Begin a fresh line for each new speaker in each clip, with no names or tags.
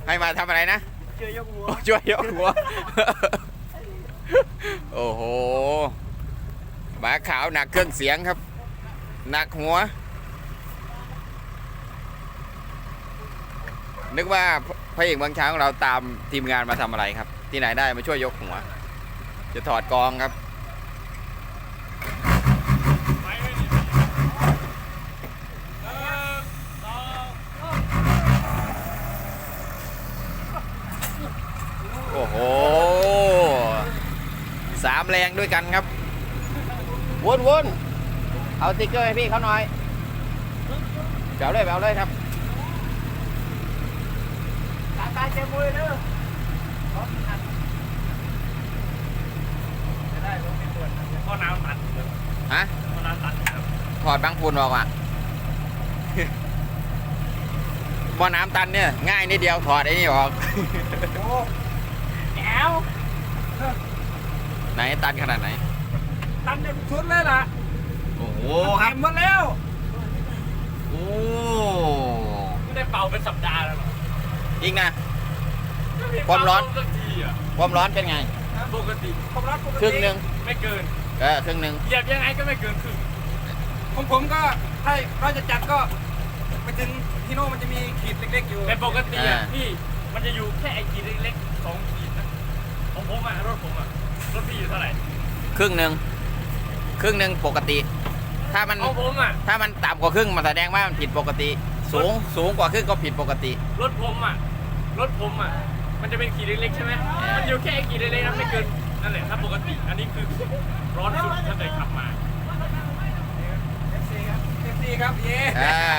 ให้มาทำอะไรนะ
ช่วยยกหัว
ช่วยยกหัวโอ้โหหมาขาวหนักเครื่องเสียงครับหนักหัวนึกว่าพระเอกเมืองช้างของเราตามทีมงานมาทำอะไรครับที่ไหนได้มาช่วยยกหัวจะถอดกองครับโอ้โห3 แรงด้วยกันครับวนเอาสติ๊กเกอร์ให้พี่เขาหน่อยแบวเลยครับ
ตาเจ็บมือเด้อจะได้รถไม่ปวดข้อน้ำตัด
ฮะ
ข้อน้ำตัด
ถอดบางฝุ่นออกอ่ะบ่อน้ำตันเนี่ยง่ายนิดเดียวถอดไอ้นี่ออก
โอ้แก้ว
ไหนตันขนาดไหน
ตันจนชุดเลยล่ะ
โอ้โห
เต็มหมดแล้ว
โอ้
ไม่ได้เป่าเป็นสัปดาห์แล้วหรอ
จริงนะความร้อนเป็นไง
ปกติความร้อนปกติ
ครึ่งหนึ่ง
ไม่เกิน
ครึ่งหนึ่ง
เหยียบยังไงก็ไม่เกินครึ่งของผมก็ถ้าเราจะจัดก็ไปถึงที่โน่มันจะมีขีดเล็กๆอยู่แต่ปกติอ่ะพี่มันจะอยู่แค่ไอ้ขีดเล็กๆ2 ขีดนะของผมอ่ะรถผมอ่ะรถพี่อยู่เท่าไหร่
ครึ่งหนึ่งปกติถ้ามัน
ของผมอ่ะ
ถ้ามันต่ำกว่าครึ่งมันแสดงว่ามันผิดปกติสูงกว่าครึ่งก็ผิดปกติ
รถผมอ่ะมันจะเป็นขีดเล็กๆใช่ไหมมันอยู่แค่ขีดเล็กๆนะไม่เกินนั่นแหละถ้าปกติอันนี้คือร้อนสุดถ้าเคยขับมาFC ครับเย่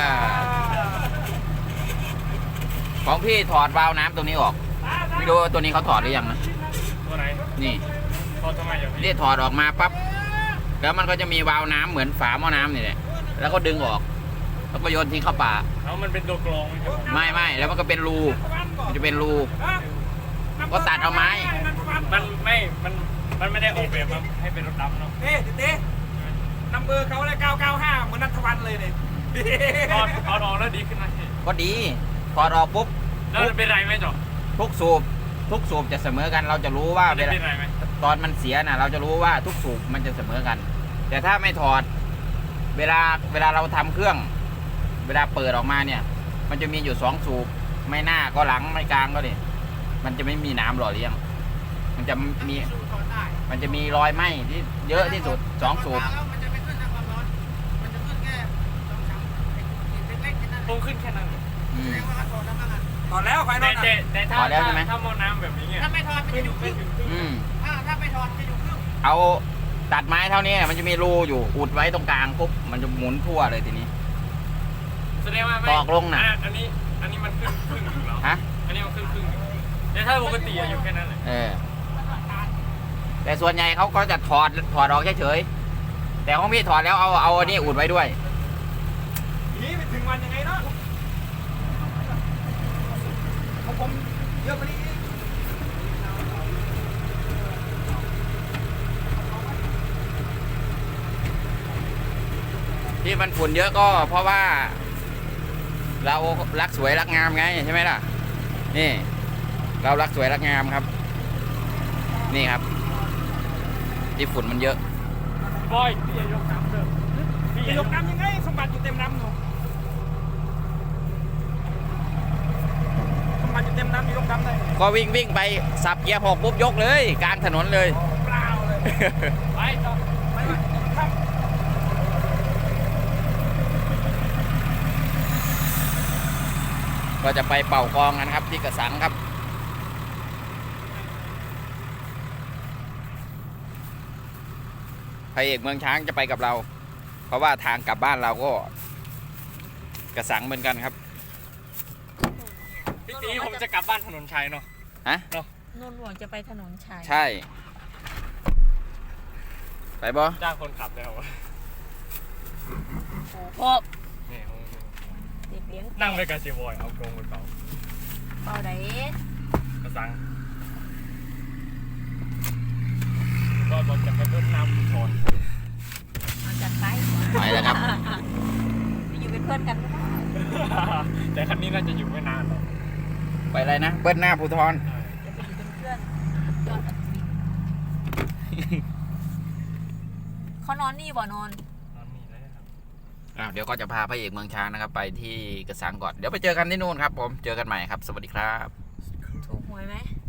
ของพี่ถอดวาล์วน้ำตัวนี้ออกไม่รู้ว่าตัวนี้เขาถอดหรือยังนะ
ตัวไหน
นี่
ถอดทำไมอย่าง
นี้ถอดออกมาปั๊บแล้วมันก็จะมีวาล์วน้ำเหมือนฝาหม้อน้ำนี่แหละแล้วก็ดึงออกแล้วก็โยนทิ้งเข้าป่า
แล้วมันเป็นตัวกรอง
ไม่แล้วมันก็เป็นรูมันจะเป็นรูก็ตัดเอาไม้
มันไม่ได้ออกแบบมาให้เป็นรถดำเนาะเต้นัมเบอร์เขาเลย995เหมือนนัทวันเลยเนี่ยถอดออกแล้วดีขึ้นไหม
ก็ดีถอดออกปุ๊บ
แล้วเป็นไรไหมจ๊อ
ทุกสูบจะเสมอกันเราจะรู้ว่า
เป็นไรไหม
ตอนมันเสียนะเราจะรู้ว่าทุกสูบมันจะเสมอกันแต่ถ้าไม่ถอดเวลาเราทำเครื่องเวลาเปิดออกมาเนี่ยมันจะมีอยู่2 สูบไม่หน้าก็หลังไม่กลางก็ดิมันจะไม่มีน้ำหล่อเลี้ยงมันจะมีรอยไหม้ที่เยอะที่สุด2 สูบ
มันจะไม่ขึ้นนะความร้อนมันจะขึ้นแค่2-3เล็กๆแค่นั้นคงขึ้นแค่นั้นถอดแล้วไฟนอนแต่ถ้าหม้อน้ำแบบนี้ถ้าไม่ถอดมันจะอยู่ครึ่งถ้าไม่ถอดจะอยู่ครึ่ง
เอาตัดไม้เท่านี้มันจะมีรูอยู่อุดไว้ตรงกลางปุ๊บมันจะหมุนทั่วเลยทีนี้
แสดงว่า
ตอกลงนะ
อันนี้มันครึ่งอยู่แล้ว
ฮะ
อันนี้มันครึ่งแต่ถ้าปกติอยู่แค่นั้นเลย
แต่ส่วนใหญ่เขาก็จะถอดออกเฉยๆแต่ของพี่ถอดแล้วเอาอันนี้อุดไว้ด้วย
นี่ไปถึงวันยังไงเนาะของผมเยอะกว่านี้
ที่มันฝุ่นเยอะก็เพราะว่าเรารักสวยรักงามไงใช่ไหมล่ะนี่เรารักสวยรักงามครับนี่ครับที่ฝุ่นมันเยอะ
บอยพี่ยกน้ำเด้อพี่ยกน้ำยังไงสมบัติอยู่เต็มน้ำหนูสมบัติอยู่เต็มน้ำยกน้ำได้
ก็วิ่งไปสับเกียร์6ปุ๊บยกเลยกลางถนนเลย
เปล่าเลยไปต่อไปครับ
ก็จะไปเป่ากองกันครับที่กระสังครับพระเอกเมืองช้างจะไปกับเราเพราะว่าทางกลับบ้านเราก็กระสังเหมือนกันครับ
พี่ตีผมจะกลับบ้านถนนชัยเนาะ
ฮะ
เนาะ
นนท์หลวงจะไปถนนชัย
ใช่ไปบ่
จ้างคนขับแล้ว
โอ้พ่อเด็กเลี้ยง
นั่งไปกับเชฟบอยเอากรงบนเป่า
ไหน
กระสังก็บอกจะไปรดน้ำชน
จัดไป
แล้วครับ
อยู่เป็นเพื่อนกันก็ได้
แต่คันนี้น่าจะอยู่ไม่นานหรอก
ไปอะไรนะเบิ้ลหน้าภูทร
จะไปอยู่เป็นเพื่อนยอดอัศวินเขานอนนี่บ่นอน
เดี๋ยวก็จะพาพระเอกเมืองช้างนะครับ ไปที่กระสังก่อนเดี๋ยวไปเจอกันที่นู่นครับผมเจอกันใหม่ครับสวัสดีครับ
ถูกหวยไหม